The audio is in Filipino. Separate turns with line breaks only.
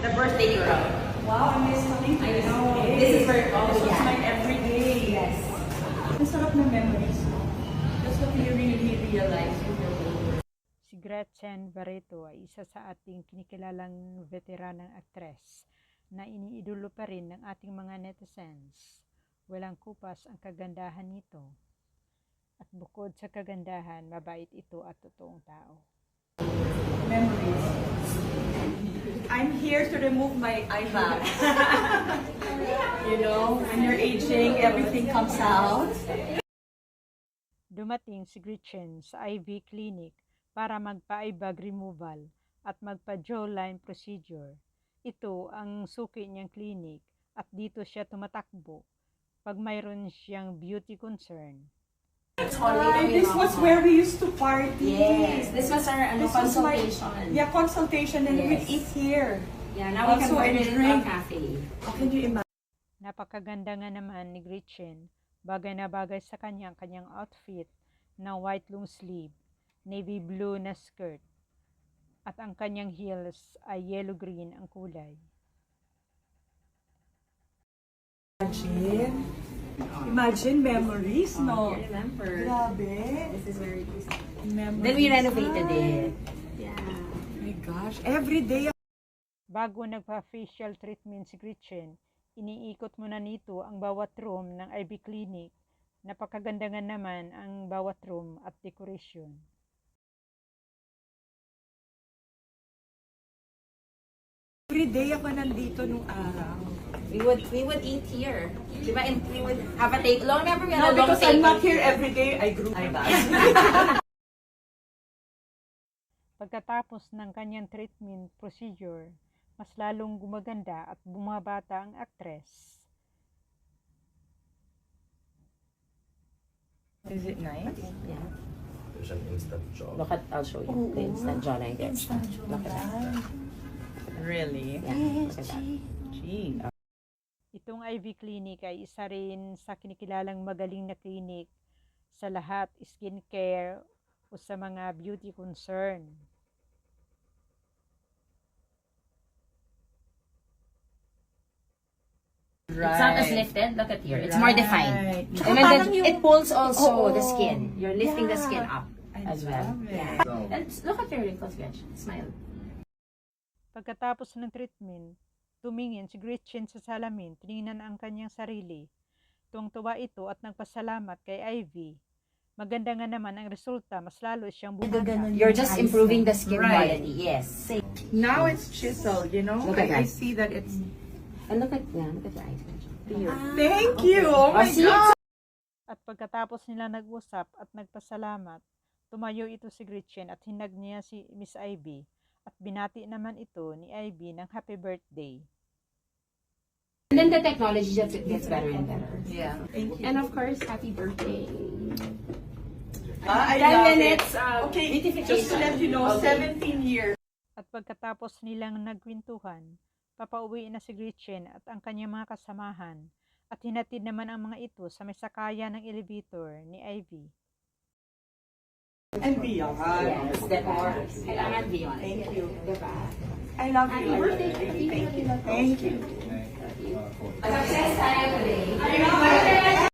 The birthday girl.
Wow, I miss coming to this day.
This is where
This was my everyday.
Yes.
Ang sarap ng memories mo. That's what you really realize when you're older.
Si Gretchen Barreto ay isa sa ating kinikilalang veteranang aktres na iniidolo pa rin ng ating mga netizens. Walang kupas ang kagandahan nito. At bukod sa kagandahan, mabait ito at totoong tao.
Memories. I'm here to remove my eye bag. You know, when you're aging, everything comes out.
Dumating si Gretchen sa IV clinic para magpa-eye bag removal at magpa-jawline procedure. Ito ang suki niyang clinic at dito siya tumatakbo pag mayroon siyang beauty concern.
And this was where we used to party.
Yes, this was our
This was my-
consultation.
consultation, and we'd
Yes.
eat here.
Yeah, now we can
Also,
order
and
it in
drink.
our cafe.
How can you imagine?
Napakaganda nga naman ni Gretchen, bagay na bagay sa kanyang outfit na white long sleeve, navy blue na skirt, at ang kanyang heels ay yellow-green ang kulay.
Imagine memories, no?
I remember.
Grabe.
This is very easy.
Memories.
Then we renovated it. Yeah.
Oh my gosh, every day.
Bago nagpa-facial treatment si Gretchen, iniikot muna nito ang bawat room ng IV clinic. Napakaganda nga naman ang bawat room at decoration.
Every day ako nandito nung araw.
We would eat here. Diba? And we would have a take. Long remember we had
No,
a long
because I'm
table
not here every day, I grew my bag.
Pagkatapos ng kanyang treatment procedure, mas lalong gumaganda at bumabata ang aktres.
Is it nice?
Yeah.
There's an instant job.
Look at, I'll show you. The instant jawline. Look at that.
Really?
Yeah. Look at that.
Gee.
Itong IV clinic ay isa rin sa kinikilalang magaling na clinic sa lahat skincare o sa mga beauty concern.
It's not as lifted. Look at here. It's more defined.
Tsaka
And then
parang yung-
it pulls also
Oo.
the skin. You're lifting the
Yeah.
skin up
I
as well.
love it.
Yeah. And look at your wrinkles, Gretchen. Smile.
Pagkatapos ng treatment, tumingin si Gretchen sa salamin, tiningnan ang kanyang sarili. Tuwang-tuwa ito at nagpasalamat kay Ivy. Maganda nga naman ang resulta, mas lalo siyang bumata.
You're just improving the skin
Right.
quality. Yes.
Now it's chiseled, you know?
Look at
I
that.
see that it's...
And look at your eyes, Gretchen. Here.
Thank you! Oh my
see?
God!
At pagkatapos nila nag-usap at nagpasalamat, tumayo ito si Gretchen at hinag niya si Miss Ivy at binati naman ito ni Ivy ng happy birthday.
And then the technology just gets better and better.
Yeah. Thank you.
And of course, happy birthday.
I
10
love
minutes,
it. Okay,
beautification.
just to let you know,
Okay.
17 years.
At pagkatapos nilang nagkwentuhan, papauwi na si Gretchen at ang kanyang mga kasamahan at hinatid naman ang mga ito sa may sakaya ng elevator ni Ivy.
And beyond.
Yes, diba? Kailangan beyond.
Thank you.
Diba?
I love
Happy
you.
birthday.
Thank you. Thank you.
Success tayo today.